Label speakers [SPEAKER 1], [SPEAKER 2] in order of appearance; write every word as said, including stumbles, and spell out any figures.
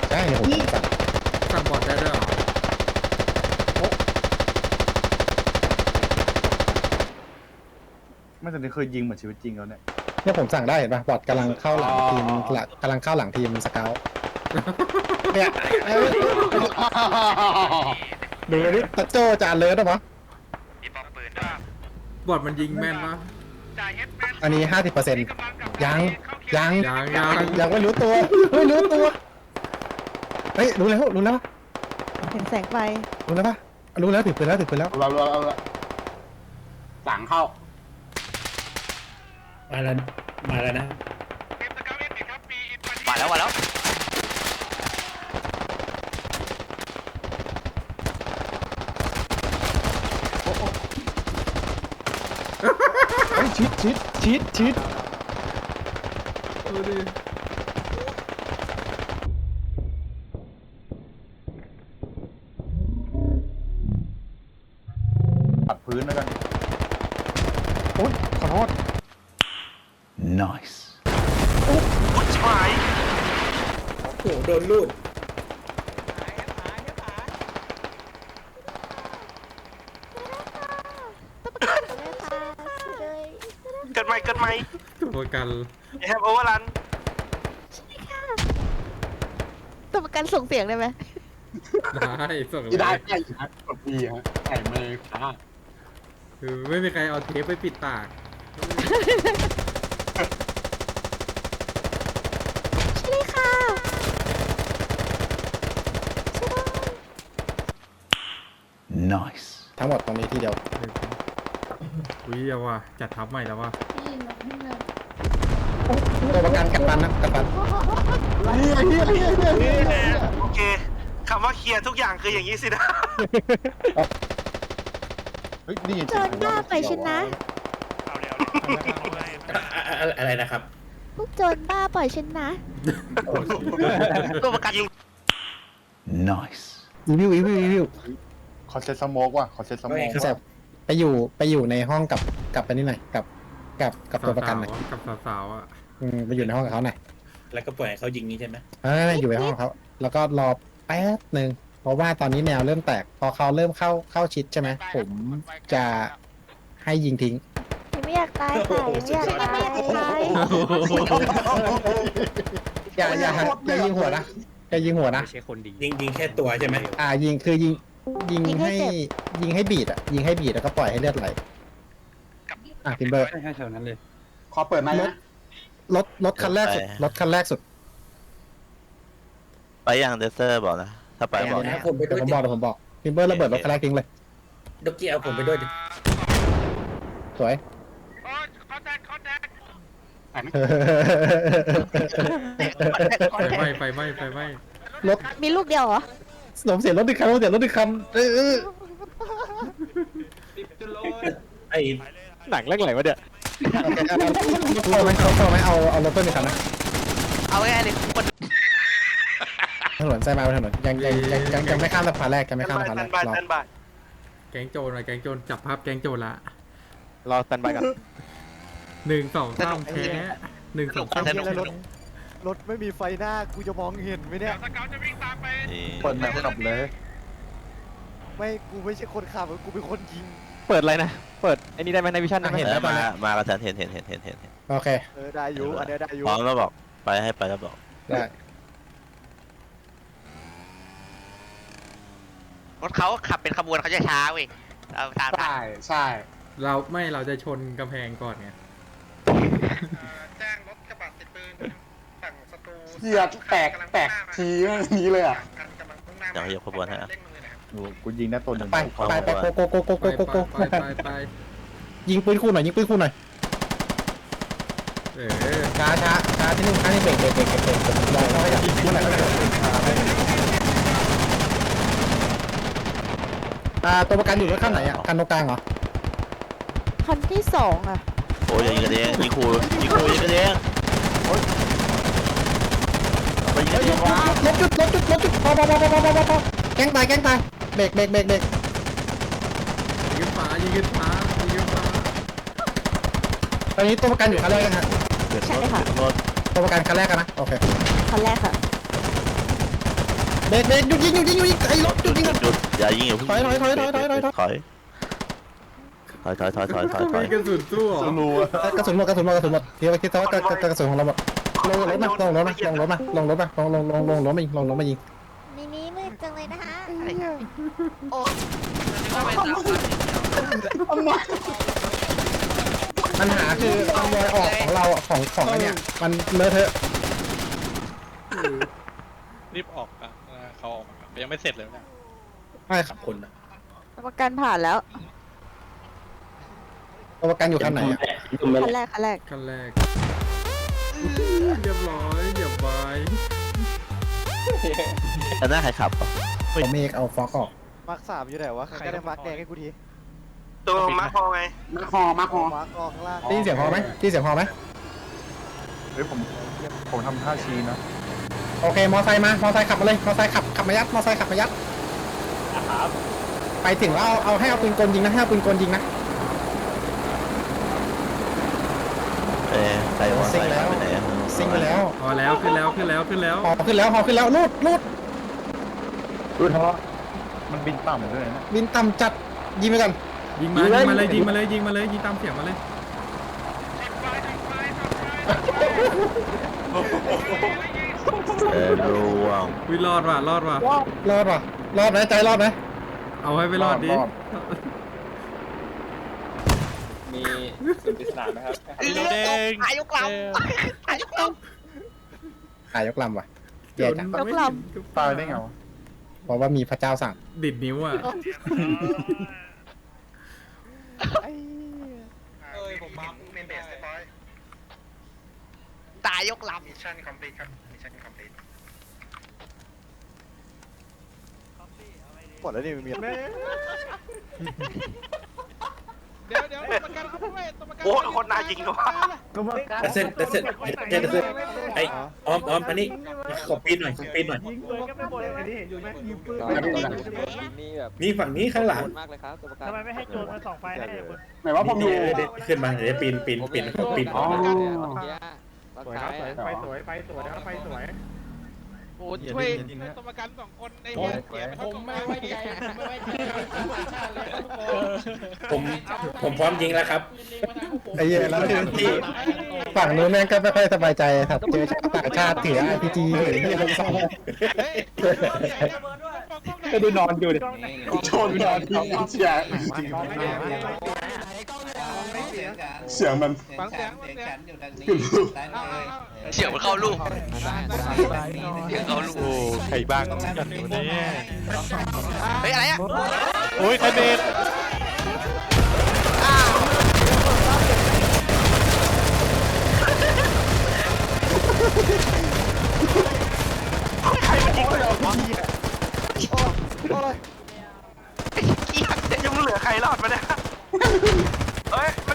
[SPEAKER 1] ใช่ผมสั่ง
[SPEAKER 2] สั่งบอดได้ด้วยเหรอ
[SPEAKER 3] ไม่แต่นี่เคยยิงเหมือนชีวิตจริงแล้วเนี่ย
[SPEAKER 1] เนี่ยผมสั่งได้เห็นป่ะบอดกำลังเข้าหลังทีมหลังกำลังเข้าหลังทีมสเกลเนี่ยดูนี่ตะโจจานเลยนะมั้ง
[SPEAKER 2] บอดมันยิงแม่นปะ
[SPEAKER 1] อันนี้ห้าสิบเปอร์เซ็นต์ยังยัง
[SPEAKER 2] ยังยัง
[SPEAKER 1] ยังไม่รู้ตัวไม่รู้ตัวเฮ้ยรู้แล้วรู้แล้ว
[SPEAKER 4] เห็นแสงไฟ
[SPEAKER 1] รู้แล้วป่ะรู้แล้วถือปืนแล้วถือปืนแล้ว
[SPEAKER 5] เราเราเราสั่งเข้า
[SPEAKER 6] มาแล้วมาแล้วนะ
[SPEAKER 7] มาแล้วมาแล้ว
[SPEAKER 1] เฮ้ยชิดชิดชิดชิด
[SPEAKER 2] ดูดิ
[SPEAKER 3] ปัดพื้นแล้วกัน
[SPEAKER 1] โอ๊ยขอโทษ
[SPEAKER 3] nice
[SPEAKER 7] ผู้ชาย
[SPEAKER 6] โอ้โหโดนลูด
[SPEAKER 7] เกิดใหม่เกิดใหม่
[SPEAKER 2] ตัวประกัน
[SPEAKER 7] แฮปโอเวอร์รัน
[SPEAKER 4] ตัวประกันส่งเสียงได้ไหม
[SPEAKER 2] ได้ส่งเล
[SPEAKER 5] ที่ได้
[SPEAKER 2] ย
[SPEAKER 5] ใช่ฮะกดปีฮะใส่เมย์ค่ะ
[SPEAKER 2] คือไม่มีใครเอาเทปไปปิดปาก
[SPEAKER 4] ใช่ค่ะใช่ด้วย
[SPEAKER 3] nice
[SPEAKER 1] ทั้งหมดตรงนี้ที่เดียว
[SPEAKER 2] อุ้ยเอาว่ะจัดทับใหม่แล้วว่ะ
[SPEAKER 1] ตัวประกันกัปตันนะกัปตัน
[SPEAKER 7] โอเคคำว่าเคลียร์ทุกอย่างคืออย่างนี้สินะ
[SPEAKER 3] เฮ้ยนี่
[SPEAKER 4] โจรบ้าปล่อยฉันนะ
[SPEAKER 7] เอาเร็ว
[SPEAKER 6] อะไรนะครับ
[SPEAKER 4] พวกโจรบ้าปล่อยฉันนะ
[SPEAKER 7] ตัวประกันยิง
[SPEAKER 3] nice
[SPEAKER 1] อีวิวอีวิวอีวิว
[SPEAKER 3] ขอเซตสโมกว่ะขอเซตสโมก
[SPEAKER 1] คือแบบไปอยู่ไปอยู่ในห้องกับกับไปนี่หน่อยกับกับกับตัวประกันหน่อย
[SPEAKER 2] กับสาวๆอ่ะ
[SPEAKER 1] อืมไปอยู่ในห้องกับเขาหน่อย
[SPEAKER 6] แล้วก็ปล่อยให้เขายิงนี้ใช่ไหม
[SPEAKER 1] เอออยู่ในห้องเขาแล้วก็รอแป๊บหนึ่งเพราะว่าตอนนี้แนวเริ่มแตก พอเขาเริ่มเข้าเข้าชิดใช่ไหมผมจะให้ยิงทิ้ง
[SPEAKER 4] ยังไม่อยากตายค่ะยังไม่อยากตาย
[SPEAKER 1] อย่าอย่าอย่ายิงหัวนะอย่ายิงหัวนะ
[SPEAKER 7] ไม่ใช่คนดี
[SPEAKER 6] ยิงยิงแค่ตัวใช่ไหม
[SPEAKER 1] อ่ายิงคือยิงยิงให้ยิงให้บีดอ่ะยิงให้บีดแล้วก็ปล่อยให้เลือดไหลอ่ะทิมเบอร์
[SPEAKER 5] ใช่ใช่เท่านั้นเลย ขอเปิดไหมนะ
[SPEAKER 1] รถรถคันแรกสุดรถคันแรกสุด
[SPEAKER 8] ไปยังเดซเซอร์บอกนะ ถ้าไปบอก
[SPEAKER 6] นะผมไป
[SPEAKER 1] เดี๋
[SPEAKER 6] ด้
[SPEAKER 1] ยว วย ผม
[SPEAKER 6] ดิ
[SPEAKER 1] บอกเดี๋ยวผมบอกทิมเบอร์ระเบิดรถคันแรกทิ้งเลย
[SPEAKER 6] ดอกกี้เอาผมไปด้วยดิ
[SPEAKER 1] สวย
[SPEAKER 2] ไฟไหม้ไฟไหม้ไฟไหม้
[SPEAKER 1] รถ
[SPEAKER 4] มีลูกเดียวเหรอ
[SPEAKER 1] ผมเสียรถอีกคันผมเสียรถอีกคันเออเออ
[SPEAKER 6] ไอ้
[SPEAKER 7] หนังเรื่องอะไรวะเนี่ย
[SPEAKER 1] โอเคเอาเอาไหมเอาไหมเอาเอารถเพิ่มอีกคันนะ
[SPEAKER 7] เอาง่ายๆเลยคน
[SPEAKER 1] ถนนไซมาบนถนนยังยังยังยังยังไม่ข้ามสะพานแรกยังไม่ข้ามสะพานแร
[SPEAKER 7] ตั
[SPEAKER 1] ก
[SPEAKER 7] นบาย
[SPEAKER 1] รอ
[SPEAKER 7] ตันบาย
[SPEAKER 2] แก๊งโจรอะแก๊งโจรจับภาพแก๊งโจรละ
[SPEAKER 7] รอตันบายกัน
[SPEAKER 2] หนึ่งสองสามแพ้หนึ่งสองสาม
[SPEAKER 7] สนุกสนุก
[SPEAKER 9] รถไม่มีไฟหน้ากูจะมองเห็นไหมเนี่ย
[SPEAKER 3] เปิดแมปขับเลย
[SPEAKER 9] ไม่กูไม่ใช่คนขับกูเป็นคนยิง
[SPEAKER 7] เปิดอะไรนะ เปิดไอ้นี่ได้ไหมในวิชั่นได้ไหม
[SPEAKER 1] เห็น
[SPEAKER 8] เอ
[SPEAKER 1] แล้
[SPEAKER 8] อ
[SPEAKER 1] วตอน
[SPEAKER 8] มา
[SPEAKER 1] นี้
[SPEAKER 8] มากับฉันเห็นเห็นเห็นเห็นเห็นเห็น
[SPEAKER 1] โอเค
[SPEAKER 9] เออได้อยู่อันเนี้ยได้อยู่
[SPEAKER 8] พร้อมแล้วบอก ไปให้ไปแล้วบอก
[SPEAKER 1] ได้
[SPEAKER 7] รถเขาขับเป็นขบวนเขาจะช้าเว้ยเราตามทัน
[SPEAKER 5] ใช่ใช่
[SPEAKER 2] เราไม่เราจะชนกำแพงก่อนไง
[SPEAKER 7] แจ้งรถกระบะติดปืนฝั่งศัตรู
[SPEAKER 5] เกียร์แตกแตกทีนี้เลยอ่ะ
[SPEAKER 8] เดี๋ยวขยับขบวนให้อ่ะ
[SPEAKER 3] ดูกูยิงได้ตัวหนึ่ง
[SPEAKER 1] ไปไปไปโกโกโกโกโก
[SPEAKER 2] ไป
[SPEAKER 1] โกโก
[SPEAKER 2] ไปไปไป
[SPEAKER 1] ยิงปืนคู่หน่อยยิงปืนคู่หน่อย
[SPEAKER 2] เออ
[SPEAKER 1] ช้าช้าช้าที่นึงช้าที่เบรกเบรกเบรกเบรกเบรกรอเขาขยับคู่หน่อยอ่าตัวประกันอยู่รถข้างไหนอ่ะคันตรงกลางเหรอ
[SPEAKER 4] คันที่สองอ่ะ
[SPEAKER 8] โอ้ยอย่ายิงกันเองยิงครูยิงครูยิงกันเองไปยิงกันเองวะ
[SPEAKER 1] ลบจุดลบจุดลบจุดพอพอพอพอพอพอพอแกล้งตายแกล้งตายเบรกเบรกเบรกเบรก
[SPEAKER 2] ยิงฟ้ายิงฟ้ายิงฟ้า
[SPEAKER 1] ตอนนี้ตัวประกันอยู่คันแรกกันฮะ
[SPEAKER 4] ใช่ค่ะ
[SPEAKER 8] รถ
[SPEAKER 1] ตัวประกันคันแรกกันนะโอเค
[SPEAKER 4] คันแรกค่ะ
[SPEAKER 1] เบรกเบรกหยุดยิงหยุดยิงหยุดยิงไอ้รถหยุดยิง
[SPEAKER 8] หยุดหยุดอย่ายิงอย่าเพิ่ง
[SPEAKER 1] ถอยถอยถอยถอยถอยถอย
[SPEAKER 8] ถอยถอยถอยถอยถอยถอยถอย
[SPEAKER 2] ไม่กระสุนสู้เหรอ
[SPEAKER 3] รู้
[SPEAKER 1] กระสุนหมดกระสุนหมดกระสุนหมดคิดว่าคิดว่ากระกระสุนของเราหมดลงรถมาลงรถมาลงรถมาลงรถมาลงลงลงลงรถมายิงลงรถมายิง
[SPEAKER 4] ในนี้มืดจังเลยนะคะ
[SPEAKER 1] ปัญหาคือคอนวอยออกของเราของของอันเนี้ยมันเลอะเทอะ
[SPEAKER 7] รีบออกอ่ะเขาออกยังไม่เสร็จเลยเนี่ย
[SPEAKER 1] ใช่ครับ
[SPEAKER 6] คนนะ
[SPEAKER 4] ประกันผ่านแล้ว
[SPEAKER 1] ตัวประกันอยู่คันไหนอ่ะ
[SPEAKER 4] คันแรกคันแรก
[SPEAKER 2] ขั้นแรกเรียบร้อยเหยียบไว้
[SPEAKER 8] อันหน้าใครขับอ่ะ
[SPEAKER 1] ผมเอกเอาฟอกออก
[SPEAKER 9] มาร์คสามอยู่ไหนวะใครก็ได้มาร์คแดงให้กูที
[SPEAKER 7] ตัวมาพอไง
[SPEAKER 5] มาคอมาคอ
[SPEAKER 9] มาร์คออกข้างล่าง
[SPEAKER 1] ได้ยินเสียงพอไหมได้ยินเสียงพอไหม
[SPEAKER 3] เฮ้ยผมผมทำท่าชี้นะ
[SPEAKER 1] โอเคมอไซค์มามอไซค์ขับมาเลยมอไซค์ขับขับมายัดมอไซค์ขับมายัดไปถึงแล้วเอาเอาให้เอาปืนกลยิงนะให้เอาปืนกลยิงนะ
[SPEAKER 8] เอ้ใครวะใครไปไหนอะ
[SPEAKER 1] ซิงไปแล้ว
[SPEAKER 2] พอแล้วขึ้นแล้วขึ้นแล้วขึ้นแล้ว
[SPEAKER 1] พอขึ้นแล้วพอขึ้นแล้วลูดลูด
[SPEAKER 3] รู้ทะเลาะมันบินต่ำด้วยนะ
[SPEAKER 1] บินต่ำจัดยิงไปก่อน
[SPEAKER 2] ยิงมายิงมาเลยยิงมาเลยยิงมาเลยยิงตามเสียงมาเลย
[SPEAKER 8] เออร่วง
[SPEAKER 2] วิรอดว่ะรอดว่ะ
[SPEAKER 1] รอดป่ะรอดไหมใจรอดไหม
[SPEAKER 2] เอาให้ไปรอดดิ
[SPEAKER 7] มีสุดปริศนาไหมครับเด้ง
[SPEAKER 1] หายกลำว่ะแย่จัง
[SPEAKER 4] ยกล
[SPEAKER 3] ตายได้ไงวะ
[SPEAKER 1] เพราะว่ามีพระเจ้าสั่ง
[SPEAKER 2] ดิดนิ้วอ่ะ
[SPEAKER 9] ไอ้
[SPEAKER 7] เอ้ยผมมาเมนเบสร้อย
[SPEAKER 10] ตายยกลำ
[SPEAKER 7] มิชชั่นคอมพลีทครับมิชชั่นคอมพลีท
[SPEAKER 9] หมดแล้วนี่มี
[SPEAKER 7] เดี๋ยวเดี๋ยวตัวประกันเอาไปตัวประกัน
[SPEAKER 10] โอ้คนน่ายิงด้วย
[SPEAKER 6] แต่เส้นแต่เส้นแต่เส้นไอ้ออมออมอันนี้ขอปีนหน่อยขอปีนหน่อยนี่ฝั่งนี้ข้างหลัง
[SPEAKER 7] ทำไมไม่ให้โจรมาส่องไฟให้
[SPEAKER 5] ไหนว่าผมอยู่
[SPEAKER 6] เดี๋ยวขึ้นมาเดี๋ยวปีนปีนปีนปีน
[SPEAKER 5] อ๋อ
[SPEAKER 7] สวยครับสวยไฟสวยไฟสวยไฟสวยโอ้ช่วยตัวประกันสองคนในเนี้ยเสียไปผมไม่ไว้ใจผมไม่ไว้ใจเลยทุกคน
[SPEAKER 6] ผมผมพร้อมยิงแล้วครับ
[SPEAKER 1] ไอ้เหี้ยแล้วที่ฝั่งนู้นแม่งก็ไม่ค่อยสบายใจครับเจอชาวต่างชาติถือ อาร์ พี จี หรือที่อะไรสักอย่าง
[SPEAKER 3] ก็ดูนอนอยู่ดิ
[SPEAKER 5] ชนนอนที่เสียงเสียงมัน
[SPEAKER 7] ฟังเสียงเสียง
[SPEAKER 10] เสียงมันเข้าลูกเสียงเข้าลูก
[SPEAKER 3] โอ้ใครบ้างกันอยู่เนี่ย
[SPEAKER 10] เฮ้ยอะไรอ่ะ
[SPEAKER 3] โอ้ยใครเบรก
[SPEAKER 10] ใครมันยิงเลย
[SPEAKER 9] โอ้ย
[SPEAKER 10] ยังเหลือใครรอดมาเนี่ยเฮ้ย